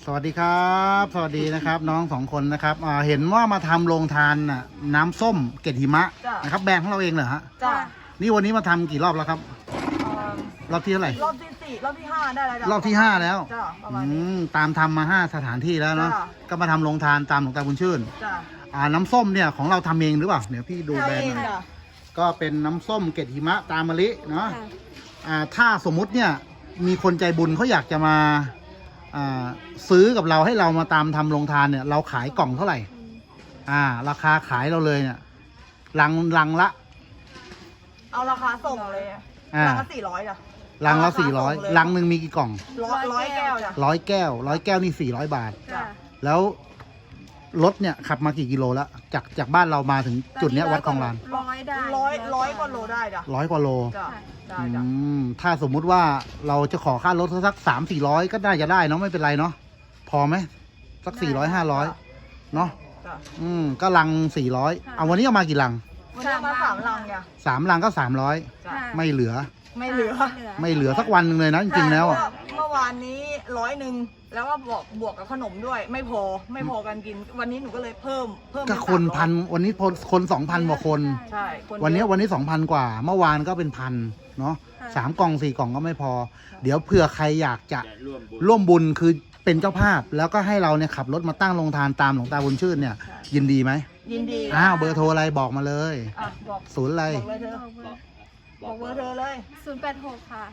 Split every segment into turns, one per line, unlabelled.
สวัสดีครับสวัสดีนะครับน้องสองคนนะครับเห็นว่ามาทำโรงทานน่ะน้ำส้มเกล็ดหิมะนะครับแบรนด์ของเราเองเหรอฮะ
จ้ะ
นี่วันนี้มาทำกี่รอบแล้วครับรอบที่เท่าไหร่
รอบที่4รอบที่5ได้แล้วจ้ะ
รอบที่5แล้ว
จ้ะประมาณนี้
ตามทำมา5สถานที่แล้วเนาะ
จ้ะ
ก็มาทำโรงทานตามหลวงตาบุญชื่น
จ้ะ
น้ำส้มเนี่ยของเราทำเองหรือเปล่าเดี๋ยวพี่ดูแบรนด์หน่อย
จ้ะ
ก็เป็นน้ำส้มเกล็ดหิมะตามมะลิเนาะถ้าสมมุติเนี่ยมีคนใจบุญเขาอยากจะมาซื้อกับเราให้เรามาตามทำโรงทานเนี่ยเราขายกล่องเท่าไหร่ราคาขายเราเลยเนี่ยลังละ
เอาราคาส่งเลยลังละ400จ้ะ
ลังละ400ลังหนึ่งมีกี่กล่อง
ร้อยแก้วจ้ะ
100 แก้วนี่400 บาท
จ้ะ
แล้วรถเนี่ยขับมากี่กิโลแล้วจากบ้านเรามาถึงจุดเนี้ยวัดคลองลาน
ร้อยกว่าโลได้จ้ะ
100 กว่าโล
จ้ะได้จ้ะ
ถ้าสมมุติว่าเราจะขอค่ารถสัก300-400ก็ได้จะได้เนาะไม่เป็นไรเนาะพอไหมสัก400-500เนาะ
จ้ะ
ก็ลัง400วันนี้เอามากี่ลัง
วันนี้มา3 ลังจ้ะ
3 ลังก็300
จ้ะ
ไม่เหลือ
ไม่เหลือ
สักวันหนึ่งเลยนะจริงๆแล้ว
เมื่อวานนี้100แล้วก็บวกกับขนมด้วยไม่พอกันกินวันนี้หนูก็เลยเพิ่ม
ก็คนพันวันนี้คน2,000 กว่าคน
ใช่
วันนี้ 2,000 กว่าเมื่อวานก็เป็น1,000เนาะ3 กล่อง 4 กล่องก็ไม่พอเดี๋ยวเผื่อใครอยากจะร่วมบุญคือเป็นเจ้าภาพแล้วก็ให้เราเนี่ยขับรถมาตั้งโรงทานตามหลวงตาบุญชื่นเนี่ยยินดีไหม
ยินดี
เบอร์โทรอะไรบอกมาเลย
บอก
ศูนย์อะไร
บอกเบอร์เธอเลย
086ค่ะ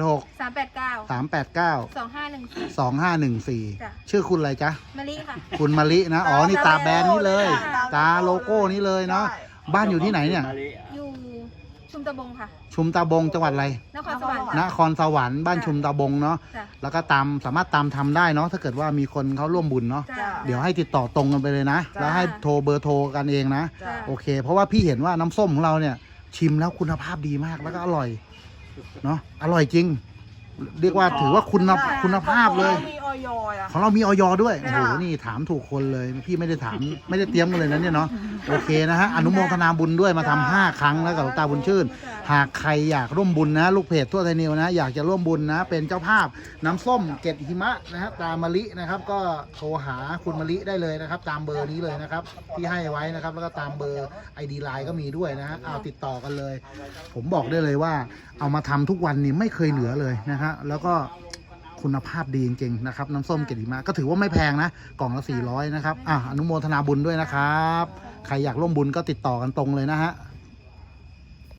086
389
389
2514
ชื่อคุณอะไรจ๊ะ
มะลิค่ะ
คุณมะลินะนี่ตาแบรนด์นี้เลยตาโลโก้นี้เลยเนาะบ้านอยู่ที่ไหนเนี่ย
อยู่ชุมตะบงค่ะ
ชุมตาบงจังหวัดอะไร
นครสวรรค์
นครสวรรค์บ้านชุมตาบงเนาะแล้วก็สามารถตามทำได้เนาะถ้าเกิดว่ามีคนเขาร่วมบุญเนาะเดี๋ยวให้ติดต่อตรงกันไปเลยนะแล้วให้โทรเบอร์โทรกันเองนะโอเคเพราะว่าพี่เห็นว่าน้ำส้มของเราเนี่ยชิมแล้วคุณภาพดีมากแล้วก็อร่อยเนาะอร่อยจริงเรียกว่าถือว่าคุณภาพเลยของเรามีออยด้วยโอ้โหนี่ถามถูกคนเลยพี่ไม่ได้ถามไม่ได้เตรียมกันเลยนะเนี่ยเนาะโอเคนะฮะอนุโมทนาบุญด้วยมาทำ5 ครั้งแล้วกับหลวงตาบุญชื่นหากใครอยากร่วมบุญนะลูกเพจทั่วไทยนิวนะอยากจะร่วมบุญนะเป็นเจ้าภาพน้ำส้มเกล็ดหิมะนะฮะตามมะลินะครับก็โทรหาคุณมะลิได้เลยนะครับตามเบอร์นี้เลยนะครับที่ให้ไว้นะครับแล้วก็ตามเบอร์ ID ไลน์ก็มีด้วยนะฮะเอาติดต่อกันเลยผมบอกได้เลยว่าเอามาทำทุกวันนี้ไม่เคยเหลือเลยนะฮะแล้วก็คุณภาพดีจริงๆนะครับน้ำส้มเกล็ดหิมะก็ถือว่าไม่แพงนะกล่องละ400นะครับอนุโมทนาบุญด้วยนะครับใครอยากร่วมบุญก็ติดต่อกันตรงเลยนะฮะ